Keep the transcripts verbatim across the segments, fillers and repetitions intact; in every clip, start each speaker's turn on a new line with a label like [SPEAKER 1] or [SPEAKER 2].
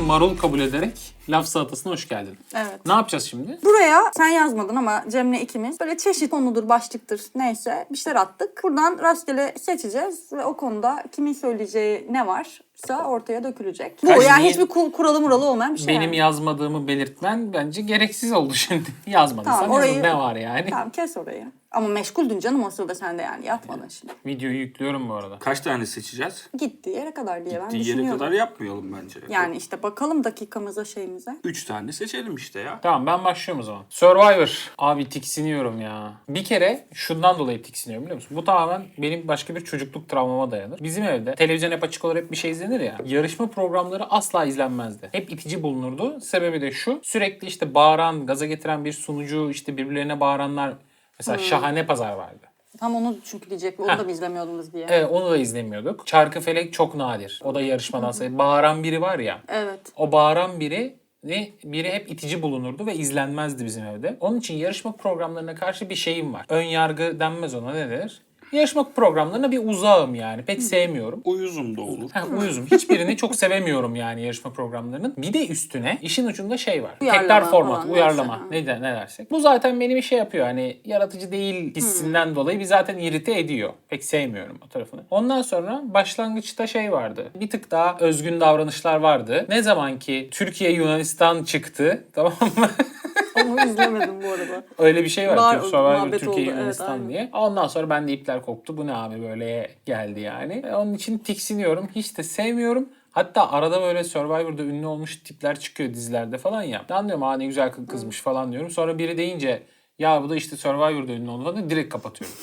[SPEAKER 1] marul kabul ederek laf salatasına hoş geldin.
[SPEAKER 2] Evet.
[SPEAKER 1] Ne yapacağız şimdi?
[SPEAKER 2] Buraya sen yazmadın ama Cem'le ikimiz böyle çeşit konudur, başlıktır neyse bir şeyler attık. Buradan rastgele seçeceğiz ve o konuda kimin söyleyeceği ne varsa ortaya dökülecek. Bu
[SPEAKER 1] Kaç
[SPEAKER 2] yani
[SPEAKER 1] niye-
[SPEAKER 2] hiçbir kul- kuralı muralı olmayan bir şey.
[SPEAKER 1] Benim
[SPEAKER 2] yani.
[SPEAKER 1] yazmadığımı belirtmen bence gereksiz oldu şimdi. Yazmadıysan
[SPEAKER 2] Tamam, orayı-
[SPEAKER 1] yazın, ne var yani?
[SPEAKER 2] Tamam kes orayı. Ama meşguldün canım o sırada sen de yani yatmadın şimdi.
[SPEAKER 1] Videoyu yüklüyorum bu arada.
[SPEAKER 3] Kaç tane seçeceğiz?
[SPEAKER 2] Gittiği yere kadar diye ben
[SPEAKER 3] Gittiği yere
[SPEAKER 2] düşünüyorum.
[SPEAKER 3] kadar yapmayalım bence.
[SPEAKER 2] Yani işte bakalım dakikamıza şeyimize.
[SPEAKER 3] Üç tane seçelim işte ya.
[SPEAKER 1] Tamam, ben başlıyorum o zaman. Survivor. Abi tiksiniyorum ya. Bir kere şundan dolayı tiksiniyorum, biliyor musun? Bu tamamen benim başka bir çocukluk travmama dayanır. Bizim evde televizyon hep açık olur, hep bir şey izlenir ya. Yarışma programları asla izlenmezdi. Hep itici bulunurdu. Sebebi de şu. Sürekli işte bağıran, gaza getiren bir sunucu, işte birbirlerine bağıranlar. Mesela Şahane Pazar vardı.
[SPEAKER 2] Tam onu çünkü diyecek. Onu
[SPEAKER 1] Heh.
[SPEAKER 2] da mı izlemiyordunuz diye.
[SPEAKER 1] Evet, onu da izlemiyorduk. Çarkıfelek çok nadir. O da yarışmadan sayılır. Bağıran biri var ya.
[SPEAKER 2] Evet.
[SPEAKER 1] O bağıran biri ve biri hep itici bulunurdu ve izlenmezdi bizim evde. Onun için yarışma programlarına karşı bir şeyim var. Ön yargı denmez ona, ne denir? Yarışma programlarına bir uzağım yani. Pek sevmiyorum.
[SPEAKER 3] Uyuzum da olur.
[SPEAKER 1] Ha, uyuzum. Hiçbirini çok sevemiyorum yani yarışma programlarının. Bir de üstüne işin ucunda şey var.
[SPEAKER 2] Uyarlama
[SPEAKER 1] Tekrar format,
[SPEAKER 2] falan,
[SPEAKER 1] uyarlama.
[SPEAKER 2] neyse.
[SPEAKER 1] Ne, de, ne dersek. Bu zaten benim şey yapıyor. Hani yaratıcı değil hissinden dolayı bir zaten irite ediyor. Pek sevmiyorum o tarafını. Ondan sonra başlangıçta şey vardı. Bir tık daha özgün davranışlar vardı. Ne zaman ki Türkiye Yunanistan çıktı, tamam mı?
[SPEAKER 2] Onu izlemedim bu arada.
[SPEAKER 1] Öyle bir şey var.
[SPEAKER 2] Var,
[SPEAKER 1] Türk Survivor
[SPEAKER 2] muhabbet
[SPEAKER 1] Türkiye
[SPEAKER 2] oldu, evet,
[SPEAKER 1] Yunanistan
[SPEAKER 2] aynen.
[SPEAKER 1] diye. Ondan sonra ben de ipler koptu. Bu ne abi böyle geldi yani. E, onun için tiksiniyorum. Hiç de sevmiyorum. Hatta arada böyle Survivor'da ünlü olmuş tipler çıkıyor dizilerde falan ya. Ben diyorum aa ne güzel kız kızmış falan diyorum. Sonra biri deyince ya bu da işte Survivor'da ünlü oldu falan, direkt kapatıyorum.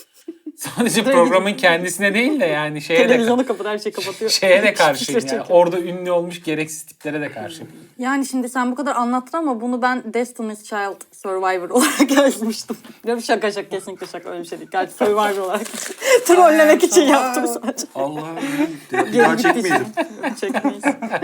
[SPEAKER 1] Sadece programın kendisine değil de yani şeye de,
[SPEAKER 2] Televizyonu kapat, her şeyi kapatıyor.
[SPEAKER 1] şeye de karşıyım
[SPEAKER 2] Çekiyor.
[SPEAKER 1] yani. Orada ünlü olmuş gereksiz tiplere de karşıyım.
[SPEAKER 2] Yani şimdi sen bu kadar anlattın ama bunu ben Destiny's Child Survivor olarak yazmıştım. Yok şaka şaka, kesinlikle şaka, öyle bir şey değil. Gerçi Survivor olarak trollemek için yaptım sadece.
[SPEAKER 3] Allah'ım. Bir daha çekmeyelim.
[SPEAKER 2] Çekmeyiz.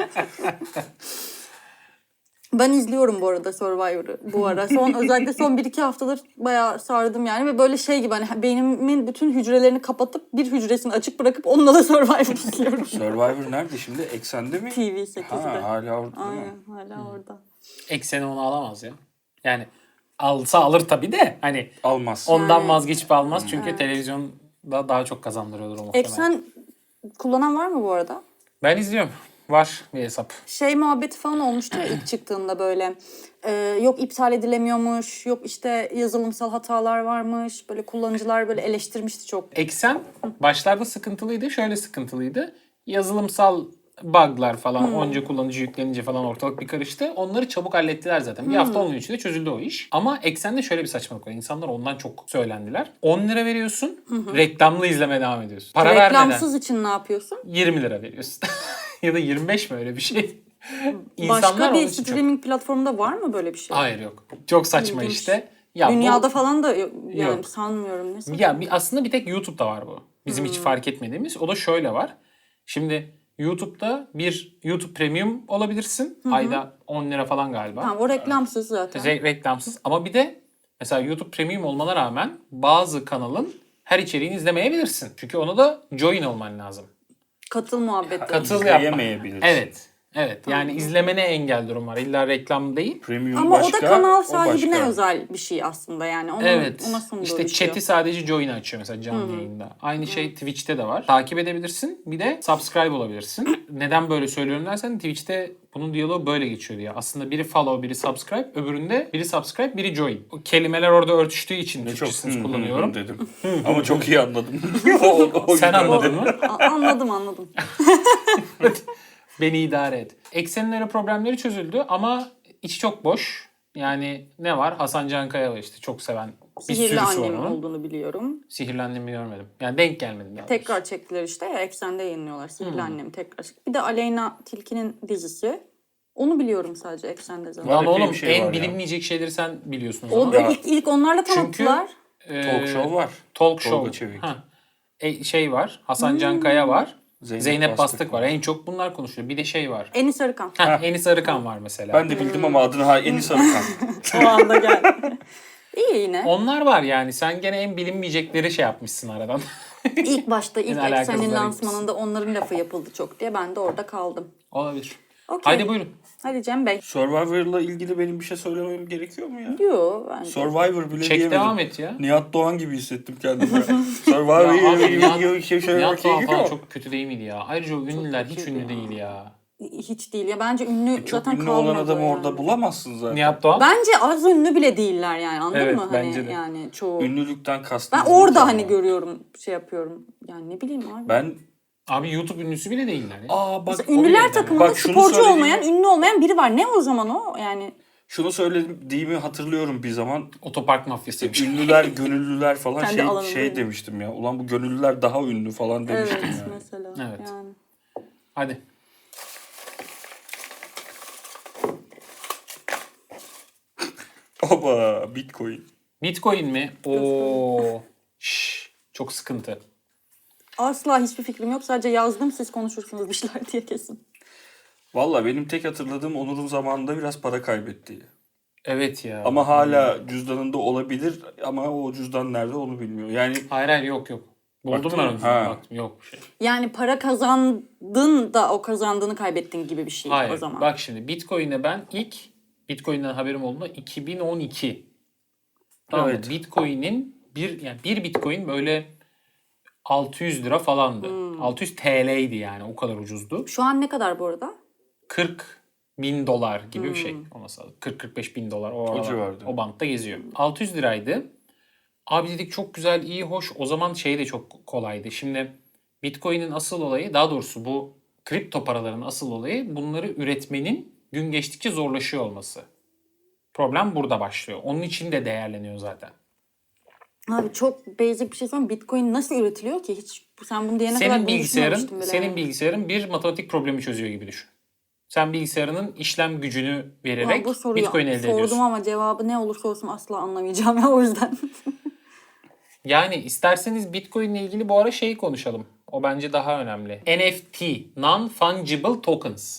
[SPEAKER 2] Ben izliyorum bu arada Survivor'ı bu ara. Son, özellikle son bir iki haftadır bayağı sardım yani. Ve böyle şey gibi hani beynimin bütün hücrelerini kapatıp bir hücresini açık bırakıp onunla da Survivor izliyorum.
[SPEAKER 3] Survivor nerede şimdi? Eksende mi?
[SPEAKER 2] T V sekizde.
[SPEAKER 3] Ha, hala orada değil mi?
[SPEAKER 2] Aynen, hala orada.
[SPEAKER 1] Ekseni onu alamaz ya. Yani alsa alır tabii de hani
[SPEAKER 3] Almaz.
[SPEAKER 1] ondan
[SPEAKER 2] Yani-
[SPEAKER 1] vazgeçip almaz çünkü televizyonda daha çok kazandırıyordur o muhtemelen.
[SPEAKER 2] Eksen kullanan var mı bu arada?
[SPEAKER 1] Ben izliyorum. Var bir hesap.
[SPEAKER 2] Şey muhabbeti falan olmuştu ya ilk çıktığında böyle. Ee, yok iptal edilemiyormuş, yok işte yazılımsal hatalar varmış. Böyle kullanıcılar böyle eleştirmişti çok.
[SPEAKER 1] Eksen başlarda sıkıntılıydı. Şöyle sıkıntılıydı. Yazılımsal bug'lar falan onca kullanıcı yüklenince falan ortalık bir karıştı. Onları çabuk hallettiler zaten. Bir hafta on gün içinde çözüldü o iş. Ama Eksen'de şöyle bir saçmalık var. İnsanlar ondan çok söylendiler. on lira veriyorsun. Reklamlı izlemeye devam ediyorsun. Para
[SPEAKER 2] Reklamsız
[SPEAKER 1] vermeden
[SPEAKER 2] için ne yapıyorsun?
[SPEAKER 1] yirmi lira veriyorsun. Ya da yirmi beş mi, öyle bir şey.
[SPEAKER 2] Başka
[SPEAKER 1] onun
[SPEAKER 2] bir
[SPEAKER 1] için çok-
[SPEAKER 2] streaming platformunda var mı böyle bir şey?
[SPEAKER 1] Hayır, yok. Çok saçma
[SPEAKER 2] İlginç.
[SPEAKER 1] işte. Ya
[SPEAKER 2] Dünyada
[SPEAKER 1] bu,
[SPEAKER 2] falan da yok, yani
[SPEAKER 1] Yok.
[SPEAKER 2] sanmıyorum. Ne saçma.
[SPEAKER 1] ya bir, aslında bir tek YouTube'da var bu. Bizim hiç fark etmediğimiz. O da şöyle var. Şimdi YouTube'da bir YouTube Premium olabilirsin. Ayda on lira falan galiba.
[SPEAKER 2] Tamam, o reklamsız zaten.
[SPEAKER 1] Re- reklamsız. Ama bir de mesela YouTube Premium olmana rağmen bazı kanalın her içeriğini izlemeyebilirsin. Çünkü ona da join olman lazım.
[SPEAKER 2] Katıl muhabbeti.
[SPEAKER 1] Katıl yapma.
[SPEAKER 3] İzleyemeyebilirsin.
[SPEAKER 1] Evet. Evet. Yani izlemene engel durum var. İlla reklam değil.
[SPEAKER 3] Premium
[SPEAKER 2] Ama
[SPEAKER 3] başka,
[SPEAKER 2] o da kanal
[SPEAKER 3] o
[SPEAKER 2] sahibine
[SPEAKER 3] başka.
[SPEAKER 2] özel bir şey aslında yani. Onun,
[SPEAKER 1] Evet.
[SPEAKER 2] Ona sunduğu
[SPEAKER 1] İşte
[SPEAKER 2] bir şey.
[SPEAKER 1] chat'i sadece join açıyor mesela canlı yayında. Aynı şey Twitch'te de var. Takip edebilirsin. Bir de subscribe olabilirsin. Neden böyle söylüyorum dersen Twitch'te bunun diyaloğu böyle geçiyor diye. Aslında biri follow, biri subscribe. Öbüründe biri subscribe, biri join. O kelimeler orada örtüştüğü için
[SPEAKER 3] Ne çok
[SPEAKER 1] Türkçesini
[SPEAKER 3] hı, hı,
[SPEAKER 1] kullanıyorum.
[SPEAKER 3] hı dedim. Ama çok iyi anladım. O- o
[SPEAKER 1] Sen
[SPEAKER 3] yüzden
[SPEAKER 1] anladın
[SPEAKER 3] dedim.
[SPEAKER 1] mı?
[SPEAKER 2] A- anladım anladım.
[SPEAKER 1] Beni idare et. Eksenin öyle problemleri çözüldü ama içi çok boş. Yani ne var? Hasan Cankaya var işte, çok seven bir
[SPEAKER 2] Sihirli
[SPEAKER 1] sürüsü var
[SPEAKER 2] annem
[SPEAKER 1] onun.
[SPEAKER 2] olduğunu biliyorum.
[SPEAKER 1] Sihirli Annem'i görmedim. Yani denk gelmedim daha doğrusu.
[SPEAKER 2] Tekrar çektiler işte ya, Eksen'de yayınlıyorlar. Sihirli Annem tekrar. Bir de Aleyna Tilki'nin dizisi. Onu biliyorum sadece Eksen'de zaten.
[SPEAKER 1] Lan
[SPEAKER 3] Var, epey
[SPEAKER 1] oğlum
[SPEAKER 3] bir şey
[SPEAKER 1] en
[SPEAKER 3] var ya.
[SPEAKER 1] bilinmeyecek şeyleri sen biliyorsun o
[SPEAKER 2] O
[SPEAKER 1] zaman.
[SPEAKER 2] da
[SPEAKER 3] Ya.
[SPEAKER 2] ilk, ilk onlarla
[SPEAKER 1] Çünkü
[SPEAKER 2] tanıttılar.
[SPEAKER 1] e,
[SPEAKER 3] Talk show var.
[SPEAKER 1] Talk
[SPEAKER 3] Tolga
[SPEAKER 1] show.
[SPEAKER 3] Çevik.
[SPEAKER 1] Ha. E, şey var. Hasan Cankaya var.
[SPEAKER 3] Zeynep
[SPEAKER 1] Zeynep,
[SPEAKER 3] Bastık
[SPEAKER 1] Bastık var.
[SPEAKER 3] var.
[SPEAKER 1] En çok bunlar konuşuyor. Bir de şey var.
[SPEAKER 2] Enis Arıkan.
[SPEAKER 1] Ha, Enis Arıkan var mesela.
[SPEAKER 3] Ben de bildim ama adını ha Enis Arıkan.
[SPEAKER 2] O anda geldi. İyi yine.
[SPEAKER 1] Onlar var yani. Sen gene en bilinmeyecekleri şey yapmışsın aradan.
[SPEAKER 2] İlk başta ilk
[SPEAKER 1] Yine alakasızlar
[SPEAKER 2] Eksen'in
[SPEAKER 1] gitmişsin.
[SPEAKER 2] lansmanında onların lafı yapıldı çok diye ben de orada kaldım.
[SPEAKER 1] Olabilir.
[SPEAKER 2] Okey.
[SPEAKER 1] Haydi buyurun.
[SPEAKER 2] Hadi Cem Bey.
[SPEAKER 3] Survivor'la ilgili benim bir şey söylemem gerekiyor mu ya?
[SPEAKER 2] Diyor bence.
[SPEAKER 3] Survivor bile
[SPEAKER 1] Çek
[SPEAKER 3] diyemedim.
[SPEAKER 1] devam et ya.
[SPEAKER 3] Nihat Doğan gibi hissettim kendimi.
[SPEAKER 1] Ya
[SPEAKER 3] Survivor'la
[SPEAKER 1] abi,
[SPEAKER 3] ilgili
[SPEAKER 1] Nihat-
[SPEAKER 3] bir şey söylemek
[SPEAKER 1] Nihat Doğan
[SPEAKER 3] gerekiyor
[SPEAKER 1] falan
[SPEAKER 3] mu?
[SPEAKER 1] çok kötü değil miydi ya? Ayrıca o ünlüler hiç
[SPEAKER 2] kötüydü
[SPEAKER 1] ünlü
[SPEAKER 2] ya.
[SPEAKER 1] değil ya.
[SPEAKER 2] Hiç değil ya. Bence ünlü
[SPEAKER 3] Çok
[SPEAKER 2] zaten
[SPEAKER 3] ünlü
[SPEAKER 2] kalmadı
[SPEAKER 3] olan adamı
[SPEAKER 2] yani.
[SPEAKER 3] orada bulamazsın zaten.
[SPEAKER 1] Nihat Doğan.
[SPEAKER 2] Bence az ünlü bile değiller yani anladın
[SPEAKER 1] Evet,
[SPEAKER 2] mı? Hani
[SPEAKER 1] bence de.
[SPEAKER 2] yani çoğu.
[SPEAKER 3] Ünlülükten kastım.
[SPEAKER 2] Ben orada hani görüyorum, şey yapıyorum. Yani ne bileyim abi.
[SPEAKER 3] Ben
[SPEAKER 1] Abi YouTube ünlüsü bile değiller ya.
[SPEAKER 3] aa bak
[SPEAKER 2] Mesela ünlüler
[SPEAKER 1] yani.
[SPEAKER 2] takımında
[SPEAKER 3] Bak şunu
[SPEAKER 2] sporcu
[SPEAKER 3] söylediğimi-
[SPEAKER 2] olmayan, ünlü olmayan biri var. Ne o zaman o? Yani
[SPEAKER 3] şunu söylediğimi hatırlıyorum bir zaman.
[SPEAKER 1] Otopark mafyasıymış.
[SPEAKER 3] Ünlüler, gönüllüler falan
[SPEAKER 2] Kendi
[SPEAKER 3] şey
[SPEAKER 2] alanında
[SPEAKER 3] şey
[SPEAKER 2] değil.
[SPEAKER 3] demiştim ya. Ulan bu gönüllüler daha ünlü falan demiştim
[SPEAKER 2] evet
[SPEAKER 3] yani.
[SPEAKER 2] mesela.
[SPEAKER 1] Evet.
[SPEAKER 2] Yani.
[SPEAKER 1] Hadi.
[SPEAKER 3] Oba Bitcoin.
[SPEAKER 1] Bitcoin mi? Oo. Şş, çok sıkıntı.
[SPEAKER 2] Asla hiçbir fikrim yok. Sadece yazdım siz konuşursunuz bir şeyler diye kesin.
[SPEAKER 3] Valla benim tek hatırladığım Onur'un zamanında biraz para kaybetti.
[SPEAKER 1] Evet ya.
[SPEAKER 3] Ama hala cüzdanında olabilir ama o cüzdan nerede onu bilmiyor. Yani
[SPEAKER 1] Hayır hayır yok yok. Buldum
[SPEAKER 3] Baktın
[SPEAKER 1] ben
[SPEAKER 3] mı?
[SPEAKER 1] onu.
[SPEAKER 3] Ha.
[SPEAKER 1] Baktım yok bir şey.
[SPEAKER 2] Yani para kazandın da o kazandığını kaybettin gibi bir şey
[SPEAKER 1] Hayır.
[SPEAKER 2] o zaman.
[SPEAKER 1] Bak şimdi Bitcoin'e ben ilk Bitcoin'den haberim olduğunda iki bin on iki. Tamam mı?
[SPEAKER 3] Evet.
[SPEAKER 1] Bitcoin'in bir yani bir Bitcoin böyle altı yüz lira falandı.
[SPEAKER 2] Hmm.
[SPEAKER 1] altı yüz T L'ydi yani o kadar ucuzdu.
[SPEAKER 2] Şu an ne kadar bu arada?
[SPEAKER 1] kırk bin dolar gibi bir
[SPEAKER 2] Hmm.
[SPEAKER 1] şey. Olması lazım. kırk kırk beş bin dolar o,
[SPEAKER 3] O
[SPEAKER 1] aralar,
[SPEAKER 3] civarda.
[SPEAKER 1] o bantta geziyor. altı yüz liraydı. Abi dedik çok güzel, iyi, hoş. O zaman şey de çok kolaydı. Şimdi Bitcoin'in asıl olayı, daha doğrusu bu kripto paraların asıl olayı bunları üretmenin gün geçtikçe zorlaşıyor olması. Problem burada başlıyor. Onun için de değerleniyor zaten.
[SPEAKER 2] Abi çok basic bir şey söyleyeyim. Bitcoin nasıl üretiliyor ki? Hiç sen bunu diyene kadar
[SPEAKER 1] Senin
[SPEAKER 2] bunu
[SPEAKER 1] bilgisayarın,
[SPEAKER 2] düşünmemiştim bile
[SPEAKER 1] senin
[SPEAKER 2] yani.
[SPEAKER 1] bilgisayarın bir matematik problemi çözüyor gibi düşün. Sen bilgisayarının işlem gücünü
[SPEAKER 2] Ulan
[SPEAKER 1] vererek
[SPEAKER 2] bu soruyu
[SPEAKER 1] Bitcoin elde
[SPEAKER 2] sordum
[SPEAKER 1] ediyorsun.
[SPEAKER 2] ama cevabı ne olursa olsun asla anlamayacağım ya o yüzden.
[SPEAKER 1] Yani isterseniz Bitcoin ile ilgili bu ara şeyi konuşalım. O bence daha önemli. N F T, Non-Fungible Tokens.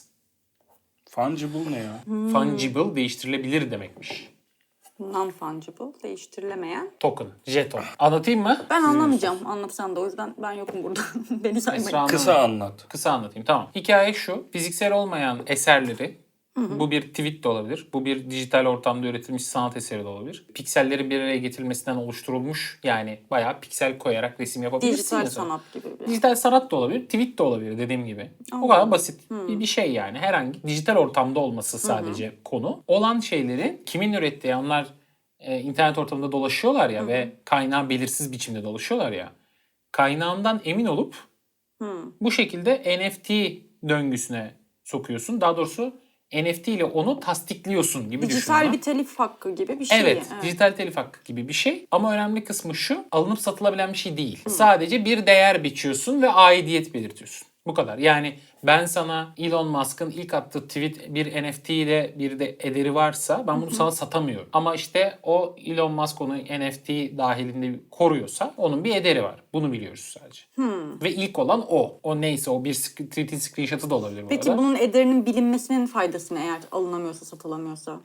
[SPEAKER 3] fungible ne ya?
[SPEAKER 2] Hmm.
[SPEAKER 1] Fungible değiştirilebilir demekmiş.
[SPEAKER 2] Non-fungible, değiştirilemeyen.
[SPEAKER 1] Token, jeton. Anlatayım mı?
[SPEAKER 2] Ben anlamayacağım anlatsan da o yüzden ben yokum burada. Beni saymayın.
[SPEAKER 1] Esra Hanım.
[SPEAKER 3] Kısa anlat.
[SPEAKER 1] Kısa anlatayım, tamam. Hikaye şu. Fiziksel olmayan eserleri, bu bir tweet de olabilir. Bu bir dijital ortamda üretilmiş sanat eseri de olabilir. Pikselleri bir araya getirilmesinden oluşturulmuş, yani bayağı piksel koyarak resim yapabilirsin.
[SPEAKER 2] Dijital
[SPEAKER 1] ya sen.
[SPEAKER 2] sanat gibi bir.
[SPEAKER 1] Dijital sanat da olabilir, tweet de olabilir dediğim gibi. O
[SPEAKER 2] Anladım.
[SPEAKER 1] kadar basit bir, bir şey yani. Herhangi dijital ortamda olması sadece konu. Olan şeyleri kimin ürettiği, onlar e, internet ortamında dolaşıyorlar ya ve kaynağı belirsiz biçimde dolaşıyorlar ya. Kaynağından emin olup bu şekilde N F T döngüsüne sokuyorsun. Daha doğrusu N F T ile onu tasdikliyorsun gibi düşün.
[SPEAKER 2] Dijital
[SPEAKER 1] onu.
[SPEAKER 2] bir telif hakkı gibi bir şey.
[SPEAKER 1] Evet, dijital telif hakkı gibi bir şey. Ama önemli kısmı şu, alınıp satılabilen bir şey değil. Sadece bir değer biçiyorsun ve aidiyet belirtiyorsun. Bu kadar. Yani ben sana Elon Musk'ın ilk attığı tweet bir N F T ile bir de ederi varsa ben bunu sana satamıyorum. Ama işte o Elon Musk onu N F T dahilinde koruyorsa onun bir ederi var. Bunu biliyoruz sadece. Ve ilk olan o. O neyse, o bir sk- tweet'in screenshot'ı da olabilir bu
[SPEAKER 2] Peki
[SPEAKER 1] arada.
[SPEAKER 2] bunun ederinin bilinmesinin faydası ne eğer alınamıyorsa, satılamıyorsa?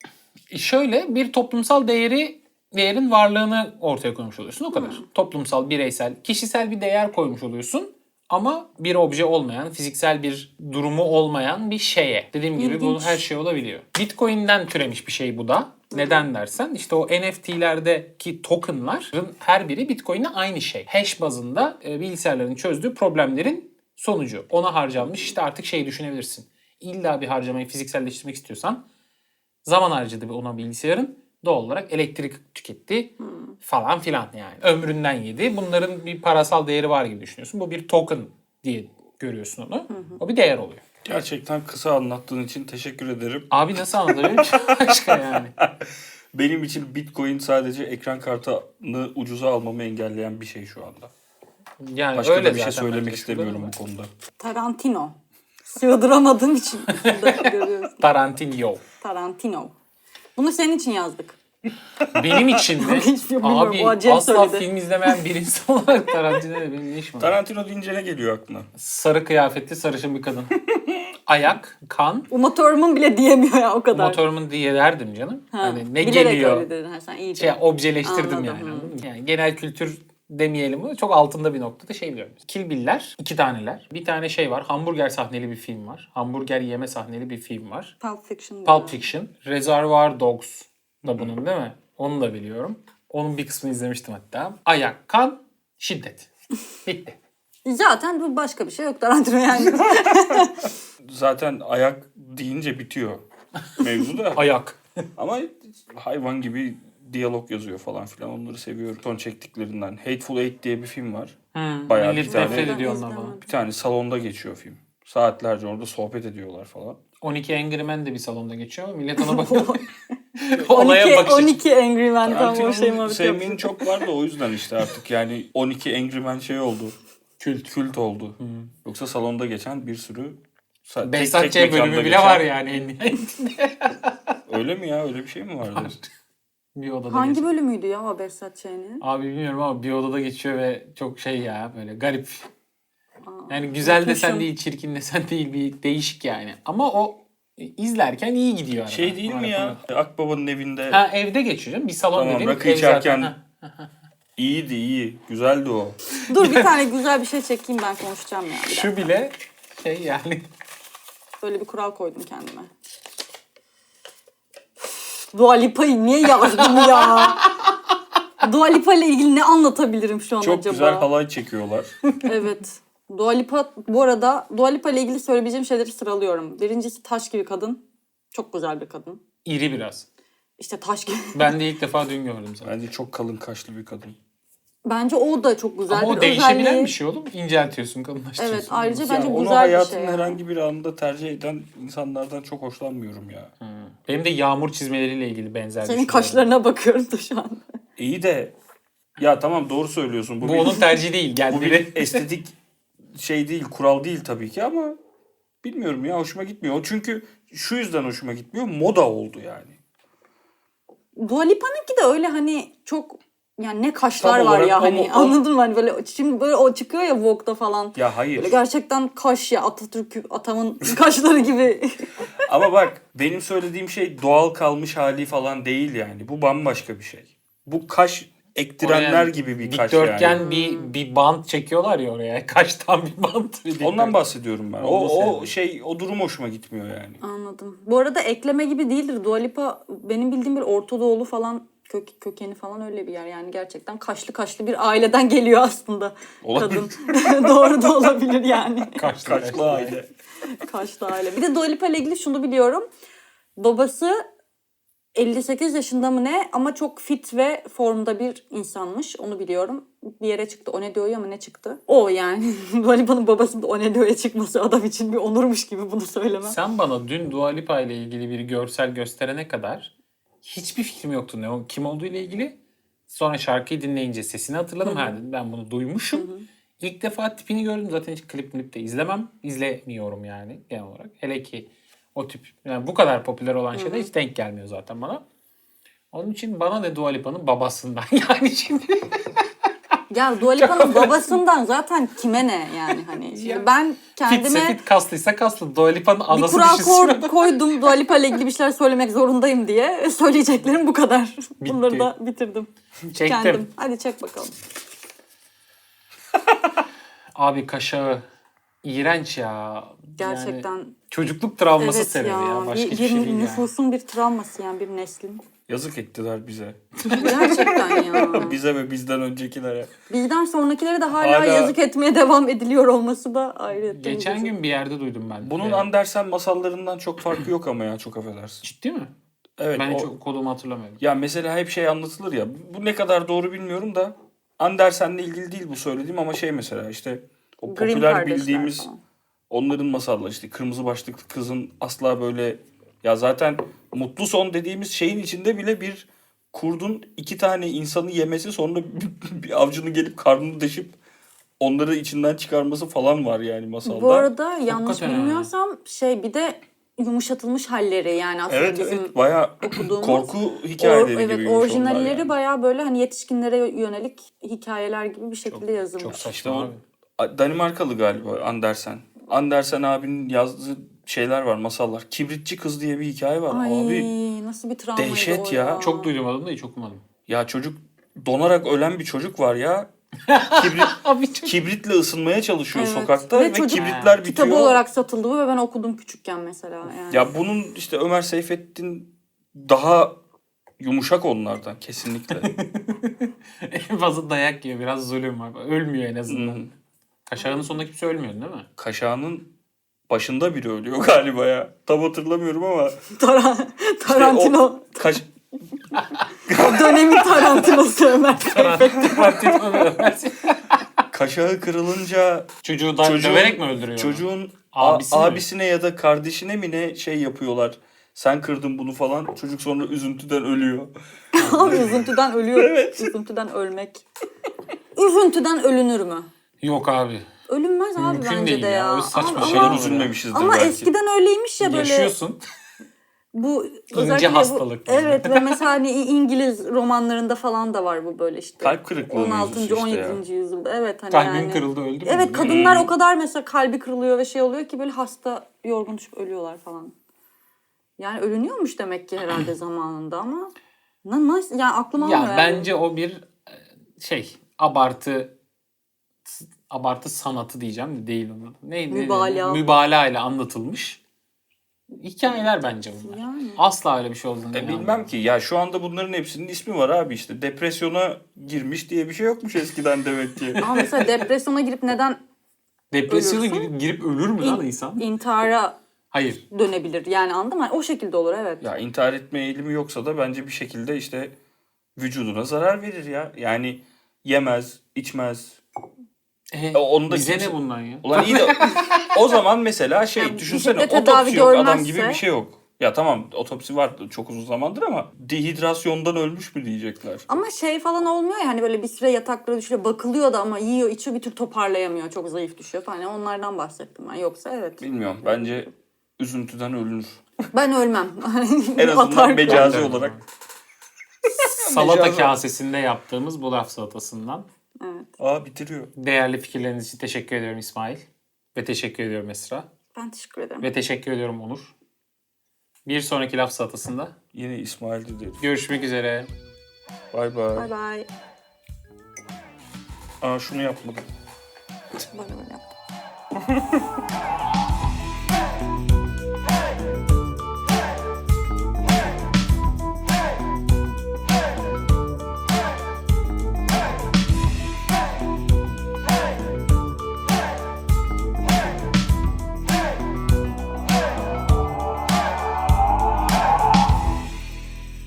[SPEAKER 1] Şöyle bir toplumsal değeri değerin varlığını ortaya koymuş oluyorsun. O kadar. Toplumsal, bireysel, kişisel bir değer koymuş oluyorsun. Ama bir obje olmayan, fiziksel bir durumu olmayan bir şeye. Dediğim gibi
[SPEAKER 2] İlginç.
[SPEAKER 1] bu her şey olabiliyor. Bitcoin'den türemiş bir şey bu da. Neden dersen işte o N F T'lerdeki tokenların her biri Bitcoin'le aynı şey. Hash bazında e, bilgisayarların çözdüğü problemlerin sonucu. Ona harcanmış işte artık şey düşünebilirsin. İlla bir harcamayı fizikselleştirmek istiyorsan zaman harcadı ona bilgisayarın. Doğal olarak elektrik tüketti falan filan yani. Ömründen yedi. Bunların bir parasal değeri var gibi düşünüyorsun. Bu bir token diye görüyorsun onu. O bir değer oluyor.
[SPEAKER 3] Gerçekten kısa anlattığın için teşekkür ederim.
[SPEAKER 1] Abi nasıl anlatabilirim ki başka yani?
[SPEAKER 3] Benim için Bitcoin sadece ekran kartını ucuza almamı engelleyen bir şey şu anda.
[SPEAKER 1] Yani
[SPEAKER 3] Başka
[SPEAKER 1] öyle
[SPEAKER 3] da bir şey
[SPEAKER 1] zaten
[SPEAKER 3] söylemek
[SPEAKER 1] bence.
[SPEAKER 3] istemiyorum bu konuda.
[SPEAKER 2] Tarantino. Sığdıramadığım için burada görüyoruz.
[SPEAKER 1] Tarantino.
[SPEAKER 2] Tarantino. Bunu senin için yazdık.
[SPEAKER 1] Benim için mi?
[SPEAKER 2] Hiç bilmiyorum.
[SPEAKER 1] Abi
[SPEAKER 2] O Acem
[SPEAKER 1] asla
[SPEAKER 2] söyledi.
[SPEAKER 1] film izlemeyen bir insan olarak Tarantino ile benim ne işim var?
[SPEAKER 3] Tarantino deyince ne geliyor aklına?
[SPEAKER 1] Sarı kıyafetli sarışın bir kadın. Ayak, kan.
[SPEAKER 2] Uma Thurman bile diyemiyor ya o kadar.
[SPEAKER 1] Motorumun diye derdim canım.
[SPEAKER 2] Ha,
[SPEAKER 1] hani ne
[SPEAKER 2] bilerek
[SPEAKER 1] geliyor?
[SPEAKER 2] öyle dedin. Ha, sen iyice.
[SPEAKER 1] Şey objeleştirdim
[SPEAKER 2] Anladım,
[SPEAKER 1] yani.
[SPEAKER 2] hı.
[SPEAKER 1] anladın mı? Yani genel kültür demeyelim bunu. Çok altında bir noktada şey biliyorum. Kill Bill'ler, iki taneler. Bir tane şey var. Hamburger sahneli bir film var. Hamburger yeme sahneli bir film var.
[SPEAKER 2] Pulp Fiction.
[SPEAKER 1] Pulp Fiction. Reservoir Dogs da bunun değil mi? Onu da biliyorum. Onun bir kısmını izlemiştim hatta. Ayak, kan, şiddet. Bitti.
[SPEAKER 2] Zaten bu başka bir şey yok Tarantino yani.
[SPEAKER 3] Zaten ayak deyince bitiyor mevzu da.
[SPEAKER 1] Ayak.
[SPEAKER 3] Ama hayvan gibi diyalog yazıyor falan filan. Onları seviyorum. Son çektiklerinden. Hateful Eight diye bir film var.
[SPEAKER 1] Hmm,
[SPEAKER 3] Bayağı
[SPEAKER 1] millet
[SPEAKER 3] bir tane-
[SPEAKER 1] nefret ediyor ondan
[SPEAKER 2] İzlemedim.
[SPEAKER 1] falan.
[SPEAKER 3] Bir tane salonda geçiyor film. Saatlerce orada sohbet ediyorlar falan.
[SPEAKER 1] on iki Angry Men de bir salonda geçiyor ama millet ona bakıyor.
[SPEAKER 2] on
[SPEAKER 1] Olaya
[SPEAKER 2] iki,
[SPEAKER 1] bakış açısı.
[SPEAKER 2] on iki Angry Men tam o şey
[SPEAKER 3] Tarantino'nun
[SPEAKER 2] muhabbeti
[SPEAKER 3] sevmeyin
[SPEAKER 2] yapıyor.
[SPEAKER 3] çok var da o yüzden işte artık yani on iki Angry Men şey oldu. Kült. Kült oldu. Yoksa salonda geçen bir sürü sa- tek-
[SPEAKER 1] Behzat
[SPEAKER 3] tek
[SPEAKER 1] Ç.
[SPEAKER 3] mekanda
[SPEAKER 1] bölümü bile
[SPEAKER 3] geçen-
[SPEAKER 1] var yani en nihayetinde.
[SPEAKER 3] Öyle mi ya? Öyle bir şey mi vardı?
[SPEAKER 1] Bir odada
[SPEAKER 2] Hangi
[SPEAKER 1] geçiyor.
[SPEAKER 2] bölümüydü ya o Behzat Ç'nin?
[SPEAKER 1] Abi bilmiyorum ama bir odada geçiyor ve çok şey ya böyle garip. Yani güzel desen
[SPEAKER 2] unutmuşum.
[SPEAKER 1] değil, çirkin desen değil, bir değişik yani. Ama o izlerken iyi gidiyor. arada.
[SPEAKER 3] Şey değil mi ya? Akbaba'nın evinde
[SPEAKER 1] Ha evde geçiyor canım. Bir salon
[SPEAKER 3] Tamam,
[SPEAKER 1] dediğim
[SPEAKER 3] rakı
[SPEAKER 1] ev zaten.
[SPEAKER 3] içerken-
[SPEAKER 1] Ha.
[SPEAKER 3] iyiydi iyi. Güzeldi o.
[SPEAKER 2] Dur bir tane güzel bir şey çekeyim ben konuşacağım ya. Bir dakika.
[SPEAKER 1] Şu bile şey yani.
[SPEAKER 2] Böyle bir kural koydum kendime. Dua Lipa'yı niye yazdım ya? Dua Lipa ile ilgili ne anlatabilirim şu an
[SPEAKER 3] Çok
[SPEAKER 2] acaba?
[SPEAKER 3] güzel halay çekiyorlar.
[SPEAKER 2] Evet. Dua Lipa, bu arada Dua Lipa ile ilgili söyleyebileceğim şeyleri sıralıyorum. Birincisi taş gibi kadın. Çok güzel bir kadın.
[SPEAKER 1] İri biraz.
[SPEAKER 2] İşte taş gibi.
[SPEAKER 1] Ben de ilk defa dün gördüm zaten.
[SPEAKER 3] Bence çok kalın kaşlı bir kadın.
[SPEAKER 2] Bence o da çok güzel
[SPEAKER 1] Ama
[SPEAKER 2] bir
[SPEAKER 1] o değişebilen
[SPEAKER 2] özelliği.
[SPEAKER 1] bir şey oğlum. İnceltiyorsun, kalınlaştırıyorsun.
[SPEAKER 2] Evet, ayrıca
[SPEAKER 3] Ya
[SPEAKER 2] bence
[SPEAKER 3] onu
[SPEAKER 2] güzel bir
[SPEAKER 3] hayatın
[SPEAKER 2] şey. yani.
[SPEAKER 3] herhangi bir anında tercih eden insanlardan çok hoşlanmıyorum ya.
[SPEAKER 1] Benim de yağmur çizmeleriyle ilgili benzer
[SPEAKER 2] Senin
[SPEAKER 1] düşüncelerim.
[SPEAKER 2] kaşlarına bakıyorum da şu an.
[SPEAKER 3] İyi de ya tamam doğru söylüyorsun. Bu,
[SPEAKER 1] Bu
[SPEAKER 3] bir,
[SPEAKER 1] onun tercihi değil.
[SPEAKER 3] bu
[SPEAKER 1] Geldi.
[SPEAKER 3] bir estetik şey değil, kural değil tabii ki ama bilmiyorum ya hoşuma gitmiyor. O çünkü şu yüzden hoşuma gitmiyor. Moda oldu yani.
[SPEAKER 2] Dua Lipa'nınki de öyle hani çok yani ne kaşlar
[SPEAKER 3] Tam
[SPEAKER 2] var
[SPEAKER 3] olarak
[SPEAKER 2] ya
[SPEAKER 3] o
[SPEAKER 2] hani
[SPEAKER 3] mu- o-
[SPEAKER 2] anladın mı hani böyle şimdi böyle o çıkıyor ya Vogue'da falan.
[SPEAKER 3] Ya hayır.
[SPEAKER 2] Böyle gerçekten kaş ya Atatürk atamın kaşları gibi.
[SPEAKER 3] Ama bak benim söylediğim şey doğal kalmış hali falan değil yani. Bu bambaşka bir şey. Bu kaş ektirenler
[SPEAKER 1] Oraya
[SPEAKER 3] gibi bir kaş
[SPEAKER 1] dikdörtgen
[SPEAKER 3] yani.
[SPEAKER 1] bir bir bant çekiyorlar ya oraya. Kaçtan bir bant. Bir
[SPEAKER 3] Ondan
[SPEAKER 1] dikdörtgen.
[SPEAKER 3] bahsediyorum ben. O,
[SPEAKER 1] Onu
[SPEAKER 3] o
[SPEAKER 1] sevdim.
[SPEAKER 3] şey o durum hoşuma gitmiyor yani.
[SPEAKER 2] Anladım. Bu arada ekleme gibi değildir. Dua Lipa benim bildiğim bir Orta Doğulu falan kök, kökeni falan öyle bir yer. Yani gerçekten kaşlı kaşlı bir aileden geliyor aslında
[SPEAKER 3] Olabilir.
[SPEAKER 2] kadın. Doğru da olabilir yani.
[SPEAKER 1] Kaçlı
[SPEAKER 3] Kaşlı aile.
[SPEAKER 2] Kaşlı aile. Bir de Dua Lipa ile ilgili şunu biliyorum. Babası elli sekiz yaşında mı ne ama çok fit ve formda bir insanmış. Onu biliyorum. Bir yere çıktı. O ne diyor ama ne çıktı? O yani. Dua Lipa'nın babasının da o ne diyor'ya çıkması adam için bir onurmuş gibi bunu söylemem.
[SPEAKER 1] Sen bana dün Dua Lipa ile ilgili bir görsel gösterene kadar hiçbir fikrim yoktu ne o kim olduğu ile ilgili. Sonra şarkıyı dinleyince sesini hatırladım. Ha dedim ben bunu duymuşum. İlk defa tipini gördüm. Zaten hiç klip klip de izlemem. İzlemiyorum yani genel olarak. Hele ki o tip yani bu kadar popüler olan şeyde hiç denk gelmiyor zaten bana. Onun için bana ne Dua Lipa'nın babasından yani şimdi.
[SPEAKER 2] Ya Dua Lipa'nın babasından zaten kime ne yani hani. Şimdi
[SPEAKER 1] Ya,
[SPEAKER 2] ben
[SPEAKER 1] Fitse
[SPEAKER 2] kendime
[SPEAKER 1] fit kaslıysa kaslı. Dua Lipa'nın
[SPEAKER 2] bir
[SPEAKER 1] anası
[SPEAKER 2] kural
[SPEAKER 1] düşünsün.
[SPEAKER 2] kor- koydum. Dua Lipa ile ilgili bir şeyler söylemek zorundayım diye. Söyleyeceklerim bu kadar. Bunları da bitirdim.
[SPEAKER 1] Çektim.
[SPEAKER 2] Kendim. Hadi çek bakalım.
[SPEAKER 1] Abi kaşağı iğrenç ya.
[SPEAKER 2] Gerçekten.
[SPEAKER 1] Yani çocukluk travması
[SPEAKER 2] Evet
[SPEAKER 1] sebebi
[SPEAKER 2] ya.
[SPEAKER 1] ya. Başka
[SPEAKER 2] bir,
[SPEAKER 1] hiçbir şey
[SPEAKER 2] bir
[SPEAKER 1] değil yani.
[SPEAKER 2] nüfusun bir travması yani bir neslin.
[SPEAKER 3] Yazık ettiler bize.
[SPEAKER 2] Gerçekten ya.
[SPEAKER 3] Bize ve bizden öncekilere.
[SPEAKER 2] Bizden sonrakilere de hala,
[SPEAKER 3] Hala-
[SPEAKER 2] yazık etmeye devam ediliyor olması da ayrı.
[SPEAKER 1] Geçen gün bir yerde duydum ben.
[SPEAKER 3] Bunun
[SPEAKER 1] Ee,
[SPEAKER 3] Andersen masallarından çok farkı yok ama ya çok affedersin.
[SPEAKER 1] Ciddi mi?
[SPEAKER 3] Evet.
[SPEAKER 1] Ben
[SPEAKER 3] o-
[SPEAKER 1] hiç kodumu hatırlamıyorum.
[SPEAKER 3] Ya mesela hep şey anlatılır ya. Bu ne kadar doğru bilmiyorum da Andersen'le ilgili değil bu söylediğim ama şey mesela işte o
[SPEAKER 2] Grimm
[SPEAKER 3] popüler
[SPEAKER 2] kardeşler
[SPEAKER 3] bildiğimiz
[SPEAKER 2] falan.
[SPEAKER 3] onların masalları işte kırmızı başlıklı kızın asla böyle ya zaten mutlu son dediğimiz şeyin içinde bile bir kurdun iki tane insanı yemesi sonra bir avcının gelip karnını deşip onları içinden çıkarması falan var yani masalda.
[SPEAKER 2] Bu arada yanlış
[SPEAKER 1] Hakikaten ha.
[SPEAKER 2] bilmiyorsam şey bir de yumuşatılmış halleri yani aslında
[SPEAKER 3] Evet
[SPEAKER 2] bizim
[SPEAKER 3] evet bayağı
[SPEAKER 2] okuduğumuz
[SPEAKER 3] korku
[SPEAKER 2] or-
[SPEAKER 3] hikayeleri
[SPEAKER 2] evet,
[SPEAKER 3] gibiymiş onlar
[SPEAKER 2] orijinalleri
[SPEAKER 3] yani.
[SPEAKER 2] bayağı böyle hani yetişkinlere yönelik hikayeler gibi bir şekilde yazılmış.
[SPEAKER 1] Çok
[SPEAKER 3] İşte
[SPEAKER 1] saçma
[SPEAKER 3] o
[SPEAKER 1] abi.
[SPEAKER 3] Danimarkalı galiba Andersen. Andersen abinin yazdığı şeyler var, masallar. Kibritçi Kız diye bir hikaye var.
[SPEAKER 2] Ay
[SPEAKER 3] Abi
[SPEAKER 2] nasıl bir travmaydı
[SPEAKER 3] dehşet
[SPEAKER 2] o
[SPEAKER 3] ya.
[SPEAKER 1] Çok duydum adını da hiç okumadım.
[SPEAKER 3] ya çocuk donarak ölen bir çocuk var ya. kibrit,
[SPEAKER 1] Abi çok...
[SPEAKER 3] kibritle ısınmaya çalışıyor
[SPEAKER 2] Evet.
[SPEAKER 3] sokakta
[SPEAKER 2] Ve
[SPEAKER 3] ve,
[SPEAKER 2] çocuk
[SPEAKER 3] kibritler bitiyor.
[SPEAKER 2] Kitabı olarak satıldı bu ve ben okudum küçükken mesela. Yani.
[SPEAKER 3] Ya bunun işte Ömer Seyfettin daha yumuşak onlardan kesinlikle.
[SPEAKER 1] En fazla dayak yiyor. Biraz zulüm var. Ölmüyor en azından.
[SPEAKER 3] Hmm.
[SPEAKER 1] Kaşağının sonunda kimse ölmüyor değil mi?
[SPEAKER 3] Kaşağının başında biri ölüyor galiba ya. Tam hatırlamıyorum ama.
[SPEAKER 2] Taran- Tarantino.
[SPEAKER 3] o kaş...
[SPEAKER 2] Dönemin Tarantino'su Ömer Seyfettin.
[SPEAKER 3] Kaşağı kırılınca
[SPEAKER 1] Çocuğu da
[SPEAKER 3] Çocuğun-
[SPEAKER 1] döverek mi öldürüyor?
[SPEAKER 3] çocuğun a-
[SPEAKER 1] Abisi mi?
[SPEAKER 3] abisine ya da kardeşine mi ne şey yapıyorlar. Sen kırdın bunu falan. Çocuk sonra üzüntüden ölüyor.
[SPEAKER 2] Abi üzüntüden ölüyor.
[SPEAKER 3] Evet.
[SPEAKER 2] Üzüntüden ölmek. Üzüntüden ölünür mü?
[SPEAKER 1] Yok abi.
[SPEAKER 2] Ölünmez abi
[SPEAKER 1] Mümkün
[SPEAKER 2] bence
[SPEAKER 1] değil
[SPEAKER 2] de
[SPEAKER 1] ya.
[SPEAKER 2] ya.
[SPEAKER 1] Öyle saçma
[SPEAKER 2] Abi
[SPEAKER 1] şeyler
[SPEAKER 2] ama,
[SPEAKER 1] olur.
[SPEAKER 3] Üzülmemişizdir
[SPEAKER 2] ama
[SPEAKER 3] belki.
[SPEAKER 2] eskiden öyleymiş ya böyle.
[SPEAKER 1] Yaşıyorsun.
[SPEAKER 2] Bu özellikle bu-
[SPEAKER 1] hastalık yani.
[SPEAKER 2] Evet ve mesela hani İngiliz romanlarında falan da var bu böyle işte.
[SPEAKER 3] Kalp kırıklığı
[SPEAKER 2] on
[SPEAKER 3] mevzusu
[SPEAKER 2] altıncı.
[SPEAKER 3] işte
[SPEAKER 2] on
[SPEAKER 3] ya.
[SPEAKER 2] yedinci yüzyılda. Evet hani
[SPEAKER 1] Kalbim
[SPEAKER 2] yani.
[SPEAKER 1] kırıldı öldü mü?
[SPEAKER 2] Evet kadınlar o kadar mesela kalbi kırılıyor ve şey oluyor ki böyle hasta yorgun düşüp ölüyorlar falan. Yani ölünüyormuş demek ki herhalde zamanında ama na- nasıl yani aklıma
[SPEAKER 1] Ya
[SPEAKER 2] almıyor yani.
[SPEAKER 1] bence o bir e, şey abartı abartı sanatı diyeceğim de değil onun. Neydi?
[SPEAKER 2] Mübalağa.
[SPEAKER 1] Mübalağa ile anlatılmış hikayeler bence bunlar.
[SPEAKER 2] Yani.
[SPEAKER 1] Asla öyle bir şey olduğunu
[SPEAKER 3] E,
[SPEAKER 1] inanmıyorum.
[SPEAKER 3] bilmem ki ya şu anda bunların hepsinin ismi var abi işte. Depresyona girmiş diye bir şey yokmuş eskiden demek ki.
[SPEAKER 2] Ama mesela depresyona girip neden
[SPEAKER 1] Depresyona
[SPEAKER 2] Ölürse-
[SPEAKER 1] girip, girip ölür mü lan
[SPEAKER 2] İn-
[SPEAKER 1] insan?
[SPEAKER 2] intihara
[SPEAKER 1] Hayır.
[SPEAKER 2] dönebilir yani anladın mı? O şekilde olur evet.
[SPEAKER 3] Ya intihar etme eğilimi yoksa da bence bir şekilde işte vücuduna zarar verir ya. Yani yemez, içmez.
[SPEAKER 1] E,
[SPEAKER 3] E, onu da
[SPEAKER 1] bize
[SPEAKER 3] kimse-
[SPEAKER 1] ne bundan ya?
[SPEAKER 3] Ulan iyi de o zaman mesela şey
[SPEAKER 2] Yani
[SPEAKER 3] düşünsene
[SPEAKER 2] bir şekilde tedavi
[SPEAKER 3] otopsi yok adam
[SPEAKER 2] görmezse-
[SPEAKER 3] gibi bir şey yok. Ya tamam otopsi var çok uzun zamandır ama dehidrasyondan ölmüş mü diyecekler.
[SPEAKER 2] Ama şey falan olmuyor ya hani böyle bir süre yataklara düşüyor bakılıyor da ama yiyor içiyor bir tür toparlayamıyor çok zayıf düşüyor falan. Yani onlardan bahsettim ben yoksa evet.
[SPEAKER 3] Bilmiyorum bence üzüntüden ölünür.
[SPEAKER 2] Ben ölmem.
[SPEAKER 3] En azından
[SPEAKER 2] Atar-
[SPEAKER 3] mecazi
[SPEAKER 1] Atar-
[SPEAKER 3] olarak.
[SPEAKER 1] Salata
[SPEAKER 3] Mecazi-
[SPEAKER 1] kasesinde yaptığımız bu laf salatasından.
[SPEAKER 2] Evet.
[SPEAKER 3] Aa bitiriyor.
[SPEAKER 1] Değerli fikirleriniz için teşekkür ediyorum İsmail. Ve teşekkür ediyorum Esra.
[SPEAKER 2] Ben teşekkür ederim.
[SPEAKER 1] Ve teşekkür ediyorum Onur. Bir sonraki laf salatasında
[SPEAKER 3] Yine İsmail dedi.
[SPEAKER 1] görüşmek üzere.
[SPEAKER 3] Bay bay.
[SPEAKER 2] Bay bay.
[SPEAKER 3] Aa şunu yapmadım.
[SPEAKER 2] Böyle böyle yap.